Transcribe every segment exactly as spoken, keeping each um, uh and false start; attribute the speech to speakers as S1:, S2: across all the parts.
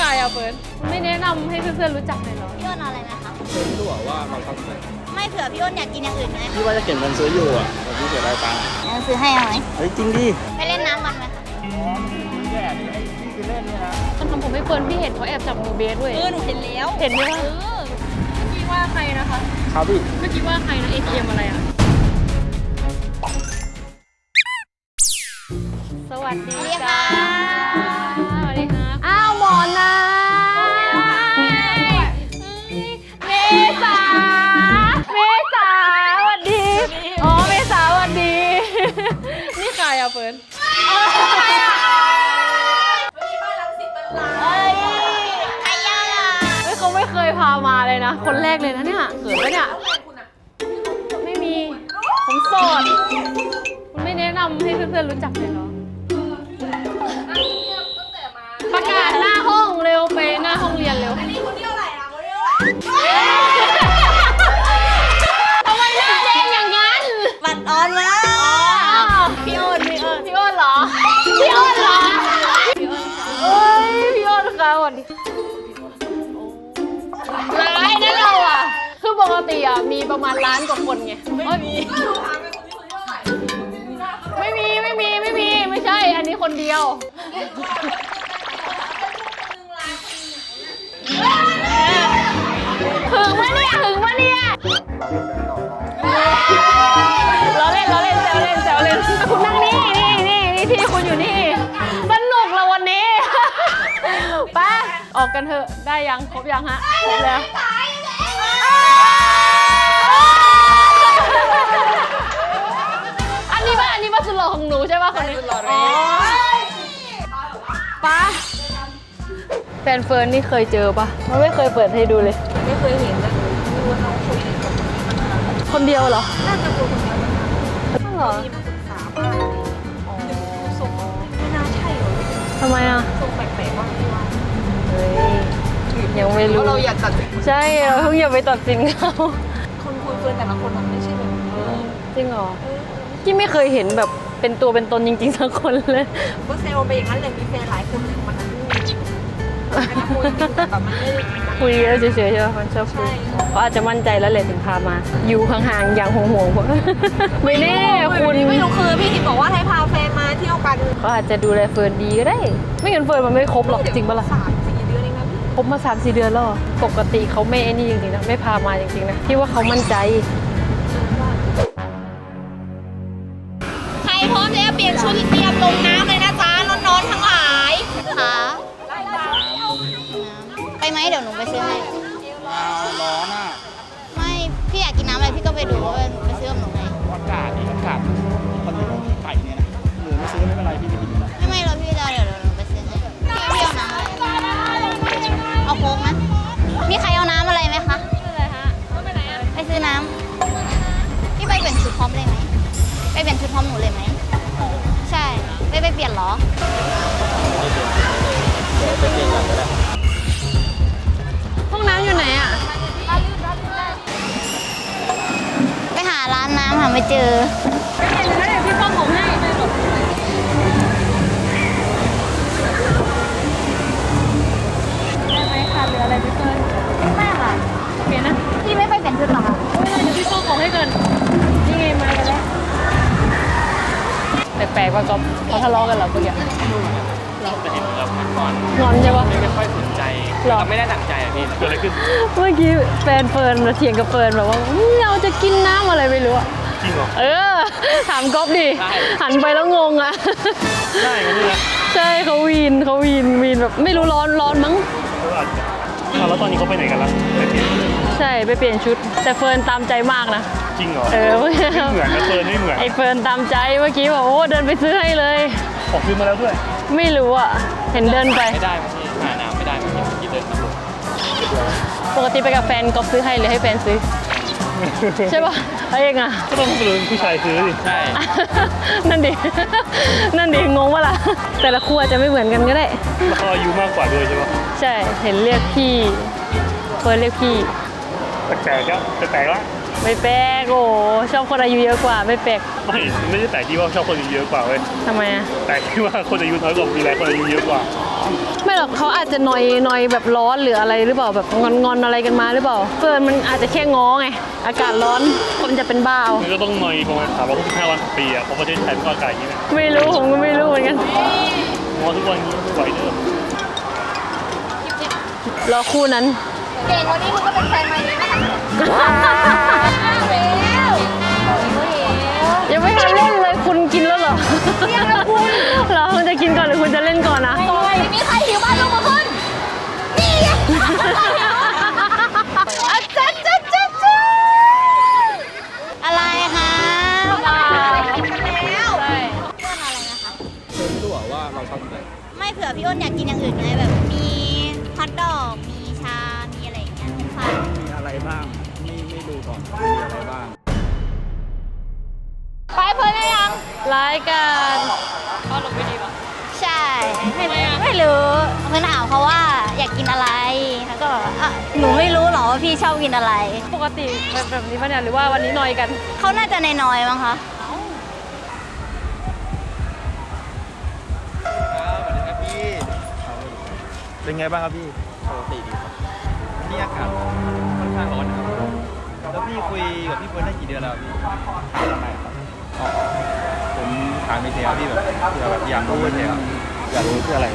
S1: ายอ่ะเฟิร์นไม่แนะนำให้เพื่อนๆรู้จักเลยเหรอ
S2: พี่อ้นเอาอะไรไหมคะ
S3: เฟิร์นรู้ว่าเราต้องซื้อ
S2: ไม่เผื่อพี่อ้นอยากกินอย่างอื่นไหม
S3: พี่ว่าจะเก็บเงินซื้ออยู่อ่ะแต่พี่เสียดายตังค์
S2: งั้นซื้อให้เอาไหม
S3: เฮ้ยจริงดิ
S2: ไปเล่นน้ำกันไหมคะ
S3: อ๋อแย่ดิไอ้ที่คือเล่นเนี่ยนะ
S1: มันทำผมให้เฟิร์นพี่เห็นเขาแอบจับมือเบสด้วย
S2: เออหนูเห็นแล้ว
S1: เห็นไหมคะเออพี่ว่าใครนะคะ
S3: ครับพี่
S1: เมื่อกี้ว่าใครนะเอทีเอ็มอะไรอ่ะสวัสดีค่ะสวัสดีค่ะอ้าวหมอนะเมษาเมษาสวัสดีอ๋อเมษาสวัสดีนี่ใครอ่ะเฟิร์น
S2: เฮ้ยใครย่าล่ะ
S1: เฮ้ยเขาไม่เคยพามาเลยนะคนแรกเลยนะเนี่ยเกิดไหมเนี่ยไม่มีผมโสดคุณไม่แนะนำให้เพื่อนๆรู้จักเลยเหรอประกาศหน้าห้องเร็วไปหน้าห้องเรียนเร็วอันนี้คนที่เท่าไหร่อ่ะคนที่เท่าไหร่ทำไมเล่นเองอย่างนั้น
S2: บัตรออนมาพี่อ้นพี่อ้น
S1: พี่อ้นเหรอพี่อ้นเหรอเอ้ยพี่อ้นค่ะสวัสดีร้ายนะเราอ่ะคือปกติอ่ะมีประมาณล้านกว่าคนไงไม่มีไม่มีไม่มีไม่มีไม่ใช่อันนี้คนเดียวถึงมะเนี่ยถึงมะเนี่ยเราเล่นเราเล่นแซวเล่นแซวเล่นคุณนั่งนี่นี่นี่นี่ที่คุณอยู่นี่สนุกแล้ววันนี้ไปออกกันเถอะได้ยังครบยังฮะครบแล้วอันนี้ป่ะอันนี้ป่ะสุดหล่อของหนูใช่ป่ะคนนี้อ๋อป้าแฟนเฟิร์นนี่เคยเจอป่ะมันไม่เคยเปิดให้ดูเลย
S2: ไม่เคยเห็นนะไม่รู้ว่าน้องคุยกับ
S1: คนเดียวเหรอ
S2: น่าจะคุยคนเดียว
S1: นั่นเหรอ
S2: มีมาปรึกษาบ้างอ๋อส่งไม่น่าใช่หรอ
S1: ทำไมอ่ะ
S2: ส่งแปลกๆว่าไม่ว่า
S1: เฮ้ยยังไม่รู้
S2: เราอยากตัดสิน
S1: ใช่เราเพิ่งอย่าไปตัดสินเขา
S2: คนคุยเฟิร์นแต่ละคนมันไม่ใช่แบบ
S1: จริงเหรอที่ไม่เคยเห็นแบบเป็นตัวเป็นตนจริงๆสักคนเลย
S2: ก็เซลล์ไปอย่างนั้นเลยมีแฟนหลายคนมันนั้นคุยแบบมันไม่
S1: คุยแล้วเฉยๆใช่ไหมมันชอบคุยเขาอาจจะมั่นใจแล้วแหละถึงพามาอยู่ห่างๆอย่างห่วงๆผมไม่แน่คุณ
S2: ไม่รู้คือพี่ทิพย์บอกว่าให้พาแฟนมาเที่ยวกัน
S1: เขาอาจจะดูแลเฟิร์นดีก็ได้ไม่งั้นเฟิร์นมันไม่ครบหรอกจริงปะล่ะ
S2: สามสี่เดือนเองนะพี่
S1: ครบมาสามสี่เดือนแล้วปกติเขาไม่ไอ้นี่จริงๆนะไม่พามาจริงๆนะที่ว่าเขามั่นใจ
S2: ใครพร้อมแล้วเปลี่ยนชุดเตรียมลงน้ำเลยนะจ๊ะน้องๆทั้งหลายค่ะไปไหมเดี๋ยวหนูไปซื้อให้
S3: ร้อนอ่ะ
S2: ไม่พี่อยากกินน้ำอะไรพี่ก็ไปดูว่าไปซื้อกับหนูไง
S3: อากาศนี่อากาศคนที่ต้องไปเนี่ยนะหรือไม่ซื้อไม่เป็นไรพี่ไม่กิน
S2: ไม่ไม่เราพี่จะเดี๋ยวเดี๋ยวหนูไปซื้อให้พี่พี่เอาน้ำอะไรเอาโค้กไหมมีใครเอาน้ำอะไรไหมคะ
S1: อะไรฮะไปไหนอ่ะ
S2: ไปซื้อน้ำพี่ไปเปลี่ยนชุดพร้อมเลยไหมไปเปลี่ยนชุดพร้อมหนูเลยไหมใช่ไปไปเปลี่ยนหรอ
S1: ห้องน้ำอยู่ไหนอ่ะ
S2: ไปหาร้านน้ำหาไม่เจอ
S1: ไปเปลี่ยนแล้วเดี๋ยวพี่ป้อมผมให้ได้ไหมคะเหลืออะไรพี่เฟิร์น
S2: ไม่ค่ะ
S1: เปลี่ยนนะ
S2: พี่ไม่ไปเปลี่ยนชุดหรอคะ
S1: ไม่เลยเดี๋ยวพี่ป้อมของให้ก่อนนี่ไงมากันแล้วแปลกๆว่าก๊อฟเขาทะเลาะกันเหรอเมื่อกี้
S3: เราไปเห็นเราพักก่อน
S1: งอนใช่ปะ
S3: ไม่ค่อยสนใจเราไม่ได้ตั้งใจอ่ะพี่เกิดอะไรขึ้น
S1: เมื่อกี้แฟนเฟิร์นมาเถียงกับเฟิร์นแบบว่าเราจะกินน้ำอะไรไม่รู้อะ
S3: จริงเหรอ
S1: เออถามก๊อฟดิหันไปแล้วงงอะ
S3: ใช่กันเลย
S1: ใช่เขาวีนเขาวีนวีนแบบไม่รู้ร้อนร้อนมั้ง
S3: แล้วตอนนี้เขาไปไหนกันแล้วไปเปลี่ยน
S1: ใช่ไปเปลี่ยนชุดแต่เฟิร์นตามใจมากนะ
S3: จริงเหรอ
S1: เออไม่
S3: เหมือนนะเฟิร์นไม่เหมือน
S1: ไอเฟิร์นตามใจเมื่อกี้บอกโอ้เดินไปซื้อให้เลย
S3: ขอซื้อมาแล้วด้วย
S1: ไม่รู้อ่ะเห็นเดินไป
S3: ไม่ได้บางทีหาน้ำไม่ได้บางทีที่เดินมา
S1: ปกติไปกับแฟนก๊อฟซื้อให้หรือให้แฟนซื้อใช่ป่ะอะไรเองอ่ะ
S3: ก็ต้องเป็นผู้ชายซื้อดิใช่
S1: นั่นดินั่นดิงงวะล่ะแต่ละครัวจะไม่เหมือนกันก็ได้
S3: แล้วเขาอายุมากกว่าด้วยใช่ป่ะ
S1: ใช่เห็นเรียกพี่เฟิร์นเรียกพี่
S3: แปลกๆแล้วแปลกๆแล้ว
S1: ไม่แปลกโอ้ชอบคนอายุเยอะกว่าไม่แปลก
S4: ไม่ไม่ได้แต่ที่ว่าชอบคนอายุเยอะกว่าเว้ย
S1: ทำไมอะ
S4: แต่ที่ว่าคนอายุน้อยกว่ามีอะไรคนอายุเยอะกว่า
S1: ไม่หรอกเขาอาจจะนอยนอยแบบร้อนหรืออะไรหรือเปล่าแบบงอนงอนอะไรกันมาหรือเปล่าเฟิร์นมันอาจจะแค่ง้อไงอากาศร้อนคนจะเป็นบ้าเอา
S4: มันก็ต้องนอยประมาณสามร้อยหกสิบห้าวันต่อปีอะเพราะประเทศไทยมันก็อากาศอย่างนี้นะ
S1: ไม่รู้ผมก็ไม่รู้เหมือนกัน
S4: งอทุกวันนี้ไม่ไหวเด้อ
S1: รอคู่นั้น
S2: เก่งวันนี้คุณก็เป็นแฟนใหม่ดีไหมคะเร็ว
S1: ยังไม่ทันเล่นเลยคุณกินแล้วเหรอ
S2: ยังแล้วคุณ
S1: เหรอคุณจะกินก่อนหรือคุณจะเล่นก่อนนะ
S2: ไม่มีใครหิวบ้านลงมาขึ้นนี่ไงอาจารย์จ้าจ้าจ้าอะไรคะว้าวแล้วต้นอะไรนะคะ
S3: เธอไม่รู้เหรอว่าเราชอบกินอะไร
S2: ไม่เผื่อพี่อ้นอยากกินอย่างอื่นไงแบบมีฮอทดอกมีชา มีอะไรอย่างเงี้ยเป็นไฟ
S3: มีอะไรบ้างไม่ไม่ดูก่อนมีอะไรบ้าง
S2: ไปเพิ่นได้ยัง
S1: รายการพ่อลงไปดีป่ะ
S2: ใช่ไม่ไม่รู้เพิ่นถามเขาว่าอยากกินอะไรแล้วก็บอกว่าอ่ะหนูไม่รู้หรอว่าพี่ชอบกินอะไร
S1: ปกติแบบแบบนี้ป่ะเนี่ยหรือว่าวันนี้นอยกัน
S2: เขาน่าจะน้อยๆมั้งคะ
S3: ครับสวัสดีครับพี่เป็นไงบ้างครับพี่ปกติดีครับนี่อากาศค่อนข้างร้อนนะครับแล้วพี่คุยกับพี่เฟิร์นได้กี่เดือนแล้วพี่ถามทำไมครับอ๋อผมถามไม่เทียพี่แบบเพื่อแบบอยากรู้เฉยครับอยากรู้เพื่ออะไร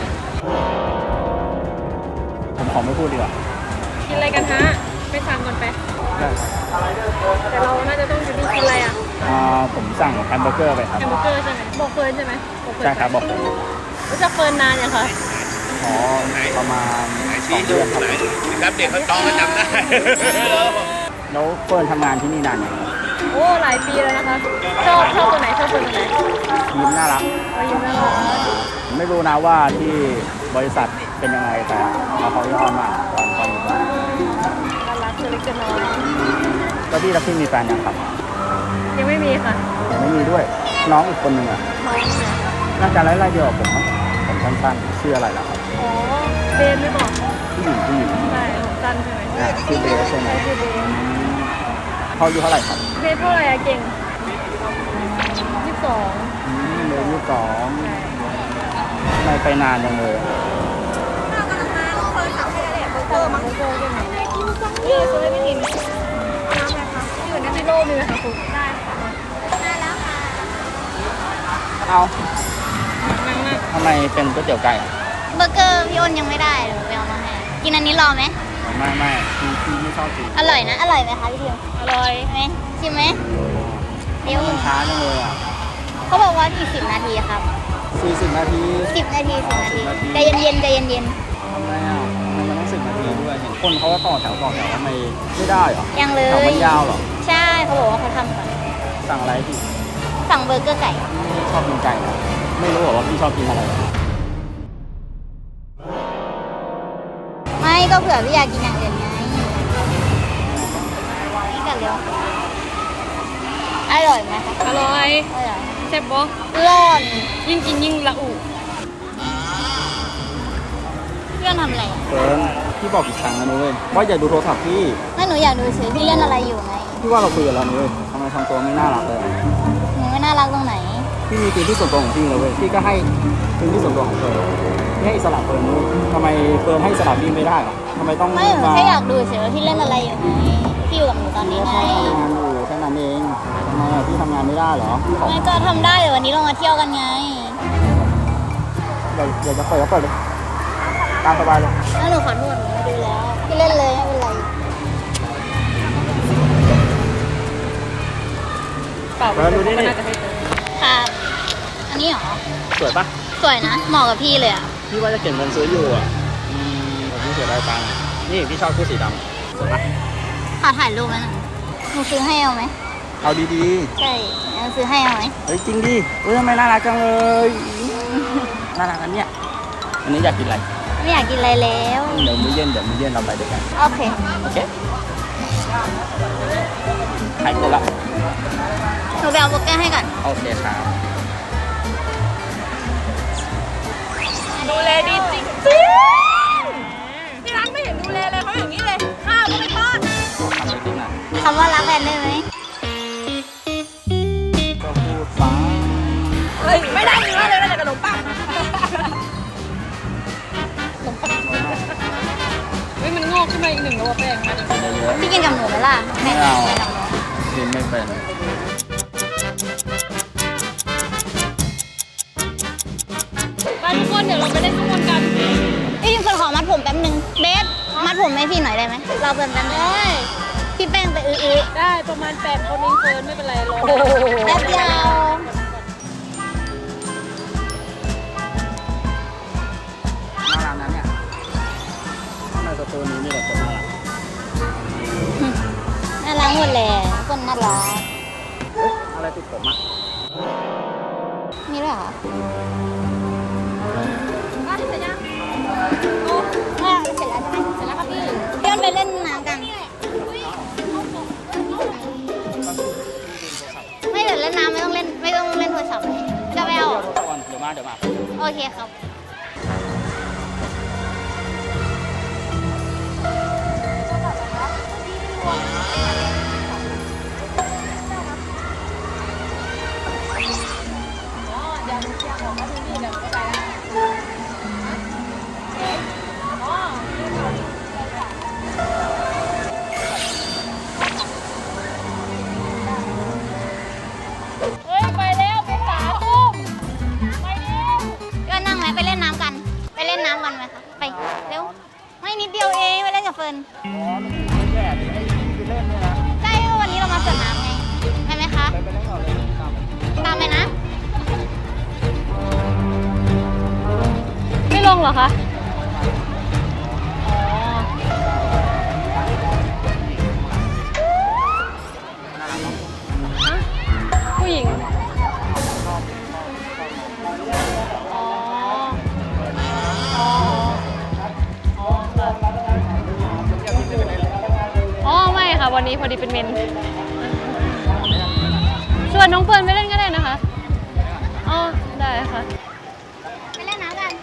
S3: ผมขอไม่พูดดีกว่า
S1: กินอะไรกันฮะไปสั่งก่อนไป
S3: ได้
S1: แต่เราน่าจะต้องอยู่ที่กินอะไรอ่ะ
S3: อ่าผมสั่งแฮมเบอร์เกอร์ไปครับ
S1: แฮมเบอร์เกอร์ใช่ไหมบอกเฟิร์นใช่ไหมบอกเฟิร์น
S3: ใช่ครับบอกผม
S1: รู้จักเฟิร์นนานยังคะ
S3: อ๋อประมาณสองเดือนครับ
S4: ครับเด็กเขาต้องก็จำได้
S3: แล้วเฟิร์นทำงานที่นี่นานยัง
S1: โอ้หลายปีแล้วนะคะชอบชอบตัวไหนชอบตัวไหน
S3: ยิ้มน่ารัก
S1: อายุน่ารัก
S3: ไม่รู้นะว่าที่บริษัทเป็นยังไงแต่เราเขายอดมากตอนตอนอยู่บ้าน
S1: น่ารักตัวเล็กตัวน้อย
S3: แล้วพี่แล้วพี่มีแฟนยังครับ
S1: ยังไม่มีค่ะ
S3: ยังไม่มีด้วย น้องอีกคนหนึ่งอ่ะ
S1: น้องเนี่ย
S3: น่าจะไล่ๆเดียวกับผมมั้งผมสั้นๆชื่ออะไรล่ะครับ
S1: อ๋อเบนไม่บอก
S3: ผู้หญิงผู้หญิง
S1: ใช่ผมสั้นใช่ไหม
S3: อ่าชื่อเบสใช่ไหม
S1: ใช่คือเบน
S3: เขาอายุเท่าไหร่ครับ
S1: เบนเท่าไหร่อะเก่งยี่สิบสอง
S3: อืมเบสยี่สิบสองไม่ไปนานยังเลยอะ
S1: เออมั้งโกใช่ไหมเออตัวไม่ถิ่นน้ำอะไรคะอยู่ในที่โลกมีไหมคะคุณได้ค่ะ
S3: เอา
S1: นั่งนั่ง
S3: ทำไมเป็นก๋วยเตี๋ยวไก่อะ
S2: เบอร์เกอร์พี่อ้นยังไม่ได้เดี๋ยวไปเอามาให้กินอันนี้รอไหม
S3: ไม่ไม่พี่พี่ไม่ชอบกิน
S2: อร่อยนะ อร่อยไหมคะพี่ทิว
S1: อร่อย
S2: ไหมชิมไหมเดี๋ยว
S3: มันช้าจังเลยอ่ะ
S2: เขาบอกว่าอีกสิบนาทีครับ
S3: สี่สิบนาที
S2: สิบนาทีสิบนาทีใจเย็นๆใจเย็น
S3: ทำไมอ่ะทำไมมันต้องสิบนาทีด้วย เห็นคนเขาก็ต่อแถวต่อแถวทำไมไม่ได้เหรอ
S2: ๆยังเล
S3: แถวย มันยาวเหรอ
S2: ใช่เขาบอกว่าเขาทำก่อน
S3: สั่งอะไรพี่
S2: สั่งเบอร์เกอร์ไก่
S3: พี่ชอบกินไก่เหรอไม่รู้เหรอว่าพี่ชอบกินอะไร
S2: ไม่ก็เผื่อพี่อยากกินอย่างอื่นไงนี่กันเร็วอร่อยไหมคะ
S1: อร่อย
S2: อร่อย
S1: แซ่บบ่
S2: ร้อน
S1: ยิ่งกินยิ่งละอุ
S2: เพื่อนทำอะไรอ่ะ
S3: เฟิร์นพี่บอกกี่ครั้งแล้วนุ้ยว่าอย่าดูโทรศัพท์พี่
S2: ไม่หนูอยากดูเฉยพี่เล่นอะไรอยู่ไง
S3: พี่ว่าเราคุยกันแล้วนุ้ยทำไมทำตัวไม่น่ารักเลยอะ
S2: หนูไม่น่ารักตรงไหน
S3: พี่มีพื้นที่ส่วนตัวของพี่เลยเว้ยพี่ก็ให้พื้นที่ส่วนตัวของเฟิร์นพี่ให้อิสระเฟิร์นนุ้ยทำไมเฟิร์นให้อิสระพี่ไม่ได้หรอทำไมต้อง
S2: ไม่หนูแค่อยากดูเฉยว่าพี่เล่นอะไรอยู่ไงพี่อยู่กับหนูตอนนี้ไง
S3: พี่ทำงานอยู่แค่นั้นเองทำไมอะพี่ทำงานไม่ได้เหรอพี่ขอ
S2: ไม่ก็ทำได้เดี๋ยววันนี้เรามาเที่ยวกันไง
S3: อยากอยากจะเปิดก็เปิดเลยตามสบายเลย
S2: แล้วหนูขอโทษหนูไม่ดูแล้วพี่เล่นเลยไม่เป็นไร
S1: เปล่า
S3: เฟิร์นดูนี่นี่
S1: น่าจะไม่เจอ
S2: ค่ะอันนี้เหรอ
S3: สวยปะ
S2: สวยนะเหมาะกับพี่เลยอ่ะ
S3: พี่ว่าจะเก็บเงินซื้ออยู่อ่ะอืมแต่พี่เสียดายตังค์นี่พี่ชอบคู่สีดำสวยปะ
S2: ขอถ่ายรูปไหมหนูหนูซื้อให้เอาไหม
S3: เอาดี
S2: ใช่หนูซื้อให้เอาไหม
S3: ๆเฮ้ยจริงดิเฮ้ยทำไมน่ารักจังเลย น่ารักอันเนี้ยอันนี้อยากกินอะไร
S2: ไม่อยากกินอะไรแล้ว
S3: เดี๋ยวมื้อเย็นเดี๋ยวมื้อเย็นเราไปด้วยกัน
S2: โอเค
S3: โอเคหายคนละ
S2: หนูไปเอาเบอร์เกอร์ให้ก่อน
S3: โอเคครับ
S1: ดูแลดีจริงที่ร้านไม่เห็นดูแลเลยเขาอย่างนี้เลยข้าวก็ไม่ทอด
S3: ทำไปจริงนะ
S2: คำว่ารักแฟนได้ไหม
S1: อกขึ้นมาอีกหนึ่งแล้วว่าแป้งมาดิ
S2: พี่กินกับหนูไหมล่ะ
S3: ไม่เอา
S2: ให้กับหนู
S3: กินไม่เป็น
S1: ไปทุกคนเดี๋ยวเราไปเล่นข้างบนกัน
S2: พี่เฟิร์นขอมัดผมแป๊บนึงเบสมัดผมให้พี่หน่อยได้ไหมเราเป็นแป๊บนึงพี่แป้งไปอื้อ
S1: ได้ประมาณแปดคนเองเฟิร์นไม่เป็นไรรอ
S2: ๆแป๊บเดียว
S3: น่ารักนะเนี่ยในสตูนี้มีแต่คนน่ารัก
S2: น่ารักหมดเลยคนน่ารัก
S3: อะไรติดผมอ่ะ
S2: มีด้วยเหรอ
S1: มาเสร็จยัง
S2: อ่ะเสร็จแล้วใช่ไหมเสร็จแล้วครับพี่เดี๋ยวไปเล่นน้ำกันไม่เดี๋ยวเล่นน้ำไม่ต้องเล่นไม่ต้องเล่นโทรศัพท์เลยจะไปเอา
S3: เดี๋ยวก่อนเดี๋ยวมาเดี๋ยวมา
S2: โอเคครับ
S1: เฮ้ยไปแล้วไปสาตุ้มไปเร็ว
S2: ก็นั่งไหมไปเล่นน้ำกัน ไปเล่นน้ำกันไหมคะไปเร็วไม่นิดเดียวเองไปเล่นกับเฟิร์น
S3: อ๋อไม่แย่ดิไอ้ที่เล่นเนี่ยนะ
S2: ใช่วันนี้เรามาสวนน้ำไงไปไหมคะ
S3: ไปไปเล่นก่อนเลยตามไป
S2: ตามไปนะ
S1: ไม่ลงเหรอคะอ๋อฮะผู้หญิงอ๋ออ๋ออ๋อค่ะอ๋อไม่ค่ะวันนี้พอดีเป็นเมนชวนน้องเฟิร์นไปเล่นก็ได้นะคะอ๋อได้ค่ะ
S2: ไปเล่นน้ำกัน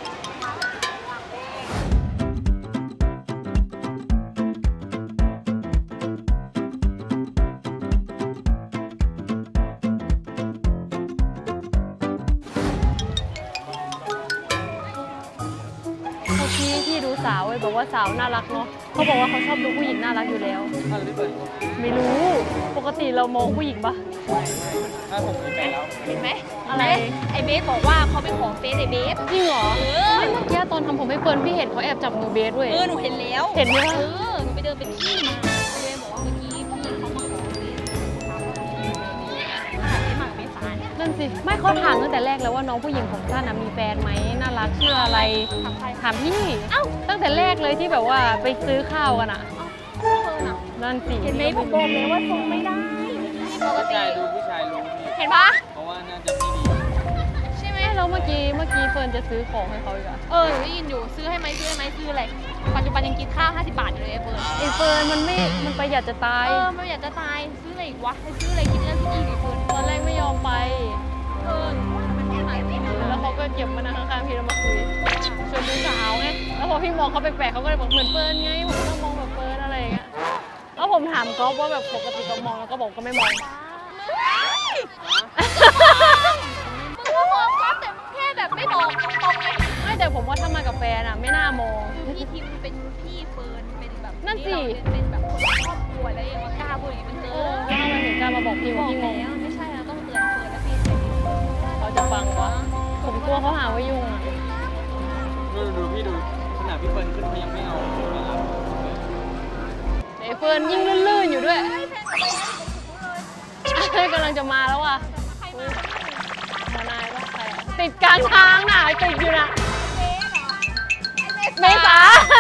S1: เมื่อกี้พี่ดูสาวเว้ยบอกว่าสาวน่ารักเนาะเขาบอกว่าเขาชอบดูผู้หญิงน่ารักอยู่แล้ว
S3: อะไรพี่เปิด
S1: ไม่รู้ปกติเรามองผู้หญิงปะ
S3: ถ้าผมมีแฟนแล้ว
S5: เห็นไหม
S1: อะไร
S5: ไอเบสบอกว่าเขาเป็นของเฟซไอเบส
S1: จริงเหรอไม่เมื่อกี้ตอนทำผมให้เฟิร์นพี่เห็นเขาแอบจับมือเบสเว้ย
S5: เออหนูเห็นแล้ว
S1: เห็นไหม
S5: เอ
S1: วะ
S5: อหนูไปเดินเป็นที่มาเบสบอกว่าเมื่อกี้พี่เขามาขอเบสถามว่าเบสมาเบสสาร
S1: นั่นสิไม่เขาถามตั้งแต่แรกแล้วว่าน้องผู้หญิงของท่านน่ะมีแฟนไหมน่ารักชื่ออะไร
S5: ถามใคร
S1: ถามพี่เอ้าตั้งแต่แรกเลยที่แบบว่าไปซื้อข้าวกันอ่ะ
S5: เฟิร์นอ่ะ
S1: นั่นสิ
S5: เห็นไหมผมบอกเลยว่าทรงไม่ได้ปก
S3: ผู้
S5: ติ
S3: ชายดูผู้ชายรู้พี่
S5: เห็นปะ
S3: เพราะว่าน่าจะไม่ดี
S1: ใช่ไหมแล้วเมื่อกี้เมื่อกี้เฟิร์นจะซื้อของให้เขาอีกอะ
S5: เออหนูได้ยินอยู่ซื้อให้ไหมซื้อให้ไหมซื้ออะไรปัจจุบันยังกินข้าวห้าสิบบาทอยู่เลยไอเฟิร์น
S1: ไอเฟิร์นมันไม่มันประหยัดจะตาย
S5: เออมันอยากจะตายซื้ออะไรอีกวะให้ซื้ออะไรกินแล้วกินอีกไอเฟิร์น
S1: ตอนแรกไม่ยอมไป
S5: เออหนูว่ามันแค่ไหนไม่รู้
S1: แล้วเขาก็เก็บมานั่งข้างๆพี่แล้วมาคุยชวนดูสาวไง แล้วพอพี่มองเขาแปลกๆเขาก็เลยบอกเหมือนเฟิร์นไง ผมก็ต้องมองแบบเฟิร์นอะไรอย่างเงี้ย แล้วผมถามก๊อฟว่าแบบปกติก็มองแล้วก็บอกก็ไม่มอง
S5: มึงก็มองปั๊บแต่แค่แบบไม่บอกตรงๆเลย
S1: ไม่แต่ผมว่าถ้ามากับแฟนอะไม่น่ามอง
S5: พี่ทิมเป็นพี่เฟิร์นเป็นแบบ
S1: นั่นสิ
S5: ที่เราเป็นแบบคนครอบครัวแล้วยังมากล้าพูดอย่างนี้มันเกิ
S1: เออน แล้วทำไมถึงกล้ามาบอกพี่
S5: บ
S1: ว่า
S5: อก
S1: พี่งง
S5: แล้วไม่ใช่แล้วต้องเตือนเฟิร์นแล้วพี่ใช้ดี
S1: เขาจะฟังวะผมกลัวเขาหาว่ายุ่งอะ
S3: ดูดูพี่ดูขนาดพี่เปิดขึ้นเขายังไม่เอาไม่รับ
S1: ไอ้เฟิร์นยิ่งลื่นๆอยู่ด้วยกำลังจะมาแล้วอ่ะอุ๊ยหมอนายว่าใครอะติดกลางทางน่ะติดอยู่น่ะเมษา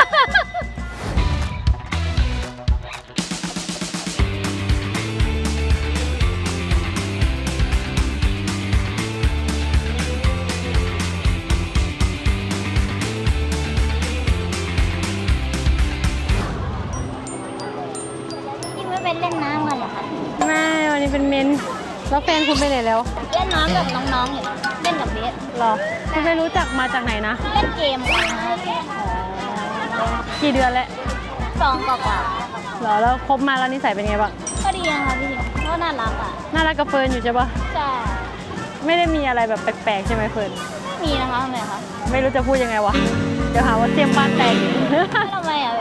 S2: พี่ไม่ไปเล่นน้ำกันเหรอคะ
S1: ไม่วันนี้เป็นเมนแล้วแฟนคุณไปไหนแล้ว
S2: เล่นน้ำกับน้องๆเห็นเล่นกับเบส
S1: หรอคุณไปรู้จักมาจากไหนนะ
S2: เล่นเกมกันนะ
S1: กี่เดือนแล้ว
S2: สองกว่า
S1: หรอแล้วคบมาแล้วนิสัยเป็นไงบ้าง
S2: ๆก็ดีนะคะพี่ก็น่ารักอ่ะ
S1: น่ารักกับเฟิร์นอยู่ใช่ปะ
S2: ใช่
S1: ไม่ได้มีอะไรแบบแปลกๆใช่ไหมเฟิร์น
S2: ไม่มีนะคะทำไมคะ
S1: ไม่รู้จะพูดยังไงวะเดี๋ยวหาว่าเตรียมบ้านแตก
S2: ทำไมอ่ะทำไมพี่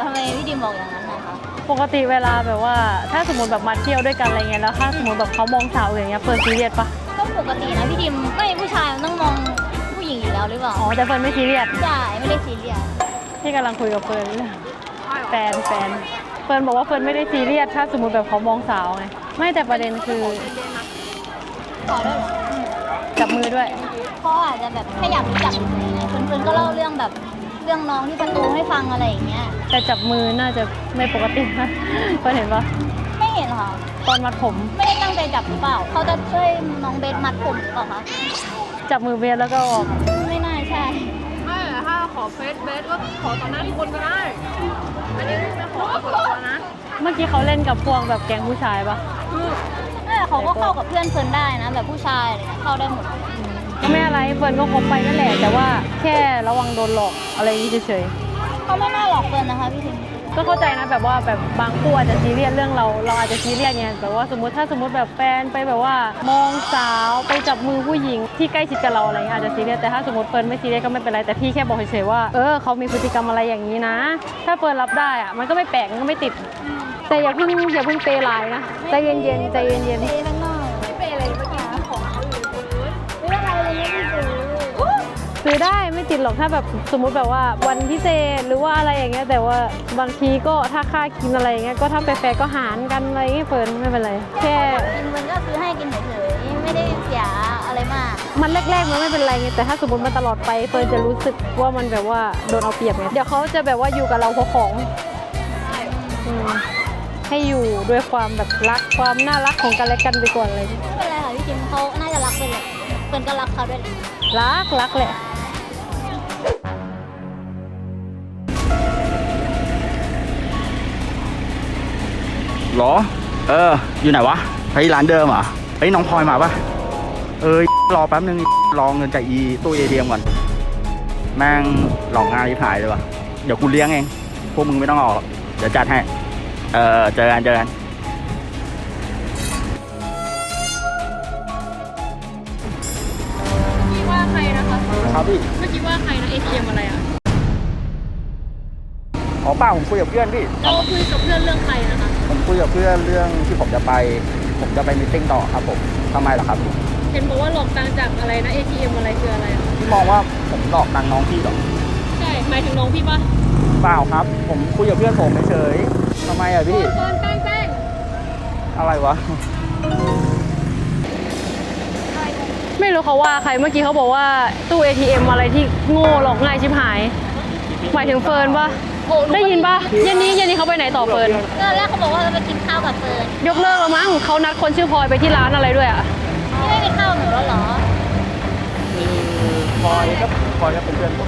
S2: ดิมบอกอย่างนั้นนะคะ
S1: ปกติเวลาแบบว่าถ้าสมมติแบบมาเที่ยวด้วยกันอะไรเงี้ยแล้วถ้าสมมติแบบเขามองสาวอย่างเงี้ยเฟิร์นซีเรียสปะ
S2: ก็ปกตินะพี่ดิมก็มีผู้ชายมันต้องมองผู้หญิงอยู่แล้วหรือเปล่า
S1: อ๋อแต่เฟิร์นไม่ซีเรียส
S2: ใช่ไม่ได้ซีเรียส
S1: ที่กำลังคุยกับเฟิร์นเรื่องแฟนแฟนเฟิร์นบอกว่าเฟิร์นไม่ได้ซีเรียสถ้าสมมติแบบเขามองสาวไงไม่แต่ประเด็นคือ
S2: ขอได้เหรอ
S1: จับมือด้วย
S2: เขาอาจจะแบบแค่อยากรู้จักเฉยๆไงเพื่อนๆก็เล่าเรื่องแบบเรื่องน้องที่ประตูให้ฟังอะไรอย่างเงี้ย
S1: แต่จับมือน่าจะไม่ปกตินะเฟิร์นเห็นปะ
S2: ไม่เห็นค่ะ
S1: ตอนมัดผม
S2: ไม่ได้ตั้งใจจับหรือเปล่าเขาจะช่วยน้องเบสมัดผมหรือเปล่าคะ
S1: จับมือเบียร์แล้วก็ออก
S2: ไม่น่าใช่
S5: ไม่ถ้าขอเฟซเบสก็ขอต่อหน้าทุกคนก็ได้อันนี้ไม่ขอส่วนตัวนะ
S1: เมื่อกี้เขาเล่นกับพวกแบบแก๊งผู้ชายปะ
S2: เออเขาก็เข้ากับเพื่อนเฟิร์นได้นะ แบบผู้ชายอะไรเงี้ยเข้าได้หมด
S1: ก็ไม่อะไรเฟิร์นก็คบไปนั่นแหละแต่ว่าแค่ระวังโดนหลอกอะไรอย่างนี้เฉย
S2: เขาไม่น่าหลอกเฟิร์นนะคะพี่ทิม
S1: ๆก็เข้าใจนะแบบว่าแบบบางคู่อาจจะซีเรียสเรื่องเราเราอาจจะซีเรียสไงแบบว่าสมมติถ้าสมมติแบบแฟนไปแบบว่ามองสาวไปจับมือผู้หญิงที่ใกล้ชิดกับเราอะไรเงี้ยอาจจะซีเรียสแต่ถ้าสมมติเฟิร์นไม่ซีเรียสก็ไม่เป็นไรแต่พี่แค่บอกเฉยๆว่าเออเขามีพฤติกรรมอะไรอย่างนี้นะ ถ้าเฟิร์นรับได้อะมันก็ไม่แปลกมันก็ไม่ติด แต่อย่าเพิ่งอย่าเพิ่งเปย์หลายนะใจเย็นๆใจเย็น
S2: เปย์ข้างนอก
S5: ไม่เป็นอะไรเมื่อกี้ของเขาอยู่ในพื้น
S2: ไม่เป็นไรเลยไม่ได้ซื้อ
S1: ๆซื้อได้ไม่ติดหรอกถ้าแบบสมมุติแบบว่าวันพิเศษหรือว่าอะไรอย่างเงี้ยแต่ว่าบางทีก็ถ้าค่ากินอะไรอย่างเงี้ยก็ถ้าแฟร์ๆก็หารกันอะไรอย่างเงี้ยเฟิร์นไม่เป็นไรแค่
S2: กินมันก็ซื้อให้กินเฉยๆไม่ได้เสียอะไรมาก
S1: มันแรกๆมันไม่เป็นไรไงแต่ถ้าสมมติมันตลอดไปเฟิร์นจะรู้สึกว่ามันแบบว่าโดนเอาเปรียบไงเดี๋ยวเขาจะแบบว่าอยู่กับเราเพราะของอืมให้อยู่ด้วยความแบบรักความน่ารักของกันและกันไปก่อนเลย
S2: ไม่เป็นไรค่ะพี่ทิมเขาน่าจะรักเฟิร์นแหละเฟิร์นก็รักเขาด้วยแหละ
S1: รักรักแหละ
S3: หรอ เออ อยู่ไหนวะเฮ้ยร้านเดิมเหรอเฮ้ยน้องพลอยมาปะเออรอแป๊บนึงรอเงินจากอีตู้เอทีเอ็มก่อนแม่งหลอกงานที่ถ่ายเลยวะเดี๋ยวกูเลี้ยงเองพวกมึงไม่ต้องออกเดี๋ยวจัดให้เออเจอกันเจอกัน
S5: พี่ว่าใครนะคะ
S3: ครับพี่
S5: เมื่อกี้ว่าใครนะ เอ ที เอ็ม อะไรอ่ะ
S3: ขอเปล่าผมคุยกับเพื่อนพี่
S5: เราคุยกับเพื่อนเรื่องใครนะคะ
S3: ผมคุยกับเพื่อนเรื่องที่ผมจะไป ผมจะไปมีตติ้งต่อครับผมทำไมล่ะครับพี่
S5: เห็นบอกว่าหลอกตังค์จากอะไรนะ เอ ที เอ็ม อะไรคืออะไรอ่ะ
S3: พี่มองว่าผมหลอกตังค์น้องพี่เหรอ
S5: ใช่หมายถึงน้องพี่ปะ
S3: เปล่าครับ ผมคุยกับเพื่อนผมเฉยๆทำไมอ่ะพี่
S5: เฟิร์นแป้งแป้ง
S3: อะไรวะ
S1: ไม่รู้เขาว่าใครเมื่อกี้เขาบอกว่าตู้ เอ ที เอ็ม อะไรที่โง่หลอกง่ายชิบหายหมายถึงเฟิร์นปะได้ยินปะเย็นนี้เย็นนี้เขาไปไหนต่อเฟิร์น
S2: ตอนแรกเขาบอกว่าจะไปกินข้าวกับเฟิร์น
S1: ยกเลิกแล้วมั้งเขานัดคนชื่อพลอยไปที่ร้านอะไรด้วยอ่ะ
S2: พี่ไม่กินข้าวกับหนูแล้วเหรอ
S3: พลอยก็พลอยก็เป็นเพื่อนผม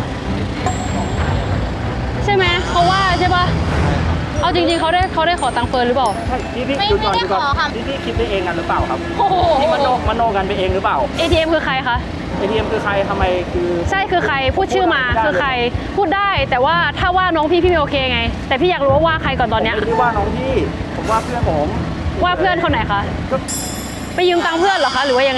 S1: ใช่ไหมเขาว่าใช่ปะเอาจริงๆเขาได้เขาได้ขอตังค์เฟิร์นหรือเปล่า
S3: พี่พี่
S2: ไม่
S3: ดู
S2: ไม่
S3: ก่อน
S2: ได้
S3: ดูก่อน
S2: ขอค่ะ
S3: พี่พี่คิดไปเองกันหรือเปล่าครับ
S1: โอ้โห
S3: พี่มโนมโนกันไปเองหรือเปล่า
S1: เอ ที เอ็ม คือใครคะ
S3: เอทีเอ็มคือใครทำไมคือ
S1: ใช่คือใครพูดชื่อมาคือใครพูดได้แต่ว่าถ้าว่าน้องพี่พี่ไม่โอเคไง แต่พี่อยากรู้ว่าว่าใครก่อนตอนเนี้ย
S3: ผมไม่ได้ว่าน้องพี่ ผมว่าเพื่อนผม
S1: ว่าเพื่อนคนไหนคะ
S3: ก็
S1: ไปยืมตังค์เพื่อนเหรอคะหรือว่ายังไง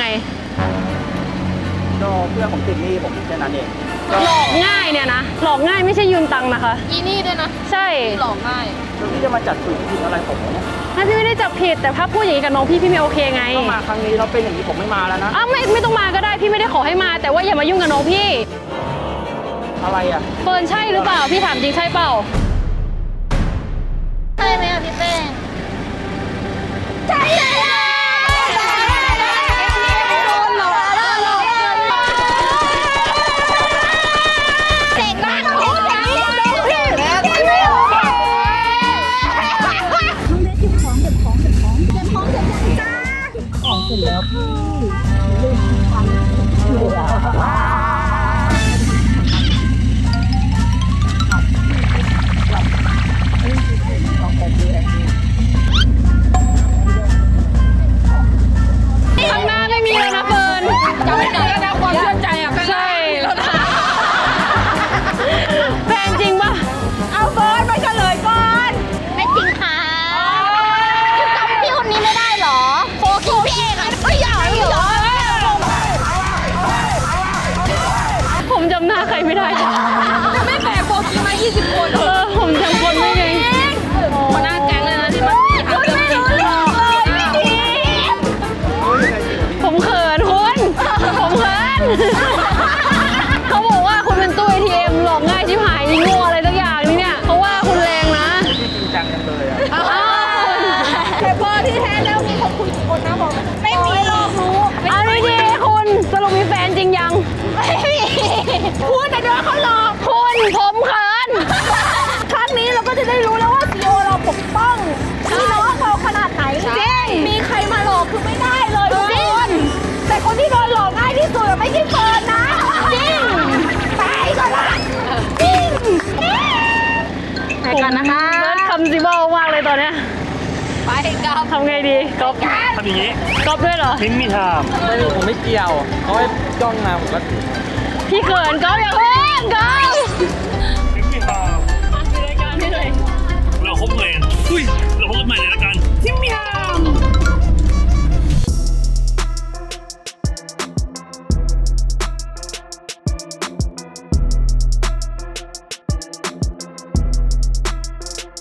S3: ก็เพื่อนผมติดหนี้ผมแค่นั้นเองก็
S1: หลอกง่ายเนี่ยนะหลอกง่ายไม่ใช่ยืมตังค์นะคะ
S5: อีนี่ด้วยนะ
S1: ใช่
S5: หลอกง่าย
S3: แล้วพี่จะมาจัดคุยผิดอะไรผมเนี่ย
S1: ไม่พี่ไม่ได้จับผิดแต่ถ้าพูดอย่างนี้กับน้องพี่พี่ไม่โอเคไง
S3: ก็มาครั้งนี้เราเป็นอย่างนี้ผมไม่มาแล้วนะ
S1: อ้าวไม่ไม่ต้องมาก็ได้พี่ไม่ได้ขอให้มา แต่ว่าอย่ามายุ่งกับน้องพี่
S3: อะไรอ่ะ
S1: เฟิร์นใช่หรือเปล่าพี่ถามจริงใช่เปล่า
S2: ใช่ไหมอ่ะพี่เป้งใช่เลยเก่งมากเก่งมากพี่แล้วพี่ไม่โอเคก่อนนะคะ
S1: เบิร์ดคำซิเบิลมากเลยตอนเนี้ย
S5: ไปกลับ
S1: ทำไงดีก๊อฟ
S4: ทำอย่างนี้
S1: ก๊อฟด้วยเหรอ
S4: ทิ้งมีทาม
S3: ไม่ผมไม่เกี่ยวเขาให้จ้องมาผมก็
S1: พี่เขินก๊อฟอย่าเพิ่งก๊อฟ